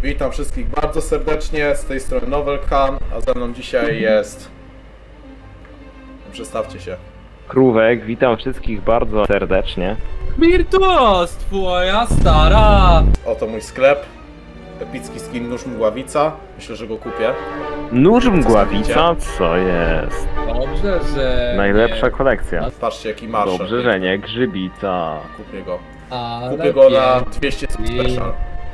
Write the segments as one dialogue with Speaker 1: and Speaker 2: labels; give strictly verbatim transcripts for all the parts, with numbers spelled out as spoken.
Speaker 1: Witam wszystkich bardzo serdecznie, z tej strony Novelkan, a ze mną dzisiaj jest... Przedstawcie się.
Speaker 2: Krówek, witam wszystkich bardzo serdecznie.
Speaker 3: Virtuos, twoja stara!
Speaker 1: Oto mój sklep. Epicki skin Nóż Mgławica. Myślę, że go kupię.
Speaker 2: Nóż Mgławica? Co jest?
Speaker 3: Dobrze, że...
Speaker 2: Najlepsza
Speaker 3: nie.
Speaker 2: kolekcja.
Speaker 1: Patrzcie jaki marsz.
Speaker 2: Dobrze, że nie Grzybica.
Speaker 1: Kupię go.
Speaker 3: Ale
Speaker 1: Kupię go na
Speaker 3: pięknie.
Speaker 1: dwieście special.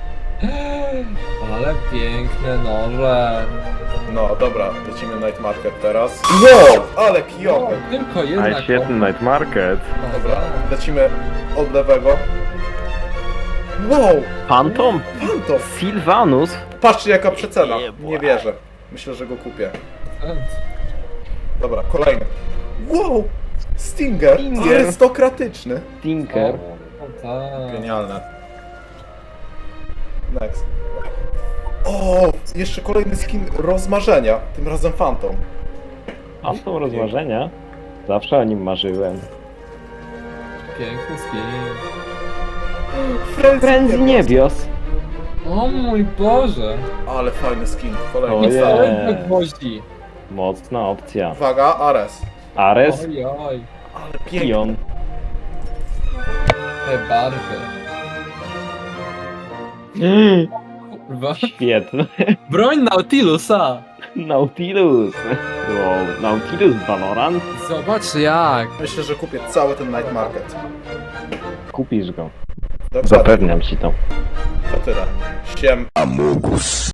Speaker 3: Ale piękne noże.
Speaker 1: No dobra, lecimy Night Market teraz. Wow, ale
Speaker 3: No,
Speaker 1: kijowy.
Speaker 3: tylko jedna
Speaker 2: Ale świetny night market.
Speaker 1: Dobra, lecimy od lewego. Wow,
Speaker 2: Phantom?
Speaker 1: Phantom.
Speaker 2: Sylvanus?
Speaker 1: Patrzcie jaka przecena.
Speaker 2: Jebła.
Speaker 1: Nie wierzę. Myślę, że go kupię. Dobra, kolejny. Wow! Stinger!
Speaker 2: Stinger.
Speaker 1: Arystokratyczny.
Speaker 2: Tinker?
Speaker 3: O, tak.
Speaker 1: Genialne. Next. O! Jeszcze kolejny skin rozmarzenia. Tym razem Phantom.
Speaker 2: Phantom rozmarzenia? Zawsze o nim marzyłem.
Speaker 3: Piękny skin.
Speaker 2: Frenzy niebios.
Speaker 3: O mój Boże.
Speaker 1: Ale fajny skin. Kolejny
Speaker 2: Ojej.
Speaker 1: cały.
Speaker 3: Całe gwoździ.
Speaker 2: Mocna opcja.
Speaker 1: Uwaga, Ares.
Speaker 2: Ares?
Speaker 3: Oj, oj.
Speaker 1: Ale piękny.
Speaker 2: Pion.
Speaker 3: Te barwy. Kurwa.
Speaker 2: Świetny.
Speaker 3: Broń Nautilusa.
Speaker 2: Nautilus. Wow. Nautilus Valorant?
Speaker 3: Zobacz jak.
Speaker 1: Myślę, że kupię cały ten Night Market.
Speaker 2: Kupisz go.
Speaker 1: Dokładnie.
Speaker 2: Zapewniam ci to.
Speaker 1: To tyle. Siem.